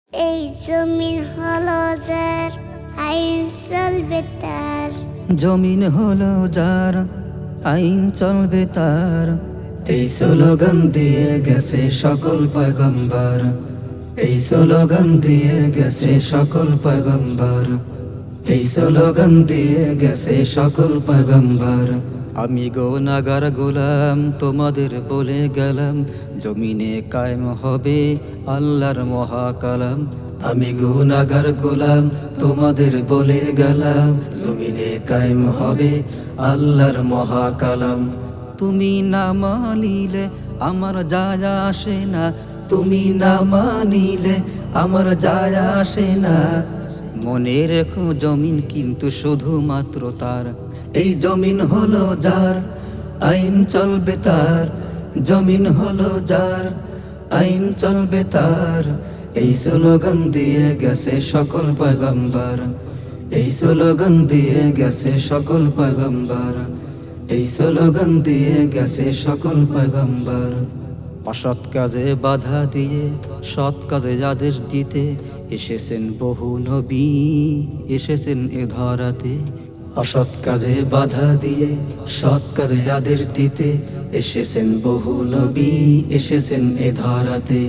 এই জমিন হলো যার, আইন চলবে তার। জমিন হলো যার, আইন চলবে তার। এই স্লোগান দিয়ে গেছে সকল পয়গম্বর, এই স্লোগান দিয়ে গেছে সকল পয়গম্বর, এই স্লোগান দিয়ে গেছে সকল পয়গম্বর। আমি গুনাহগার গোলাম তোমাদের বলে গেলাম, জমিনে কায়েম হবে আল্লাহর মহাকালাম। আমি গুনাহগার গোলাম তোমাদের বলে গেলাম, জমিনে কায়েম হবে আল্লাহর মহাকালাম। তুমি না মানিলে আমার যায় আসে না, তুমি না মানিলে আমার যায় আসে না। মনে রেখো জমিন কিন্তু শুধুমাত্র তার, এই জমিন হলো যার, আইন চলবে তার। জমিন হলো যার, আইন চলবে তার। এই স্লোগান দিয়ে গেছে সকল পয়গম্বর, এই স্লোগান দিয়ে গেছে সকল পয়গম্বর, এই স্লোগান দিয়ে গেছে সকল পয়গম্বর। অসৎ কাজে বাধা দিয়ে সৎ কাজে আদেশ দিতে এসেছেন বহু নবী, এসেছেন এ ধরাতে। অসৎ কাজে বাধা দিয়ে সৎ কাজে আদেশ দিতে এসেছেন বহু নবী, এসেছেন এ ধরাতে।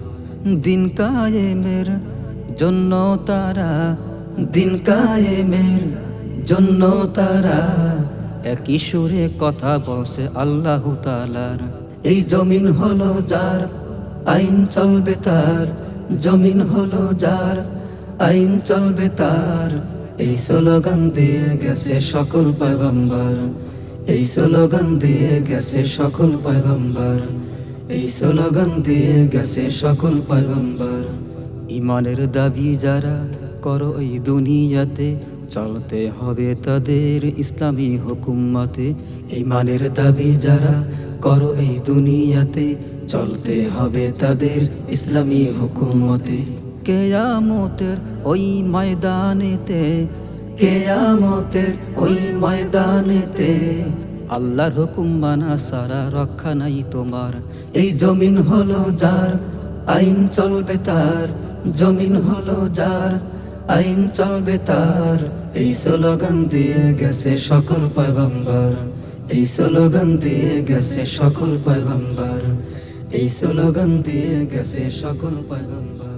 দিন কায়েমের জন্য তারা, দিন কায়েমের জন্য তারা একই সুরে কথা বলছে আল্লাহ তাআলার। এই জমিন হলো যার, আইন চলবে তার। জমিন হলো যার, আইন চলবে তার। এই স্লোগান দিয়ে গেছে সকল পয়গম্বর, এই স্লোগান দিয়ে গেছে সকল পয়গম্বর, এই স্লোগান দিয়ে গেছে সকল পয়গম্বর। ইমানের দাবি যারা করো এই দুনিয়াতে, চলতে হবে তাদের ইসলামী হুকুমতে। ইমানের দাবি যারা করো এই দুনিয়াতে, চলতে হবে তাদের ইসলামী হুকুমতে। কেয়ামতের ওই ময়দানেতে, কেয়ামতের ওই ময়দানেতে আল্লাহর হুকুম মানা সারা রক্ষা নাই তোমার। এই জমিন হলো যার, আইন চলবে তার। জমিন হলো যার, আইন চলবে তার। এই স্লোগান দিয়ে গেছে সকল পয়গম্বর, এই স্লোগান দিয়ে গেছে সকল পয়গম্বর, এই স্লোগান দিয়ে গেছে সকল পয়গম্বর।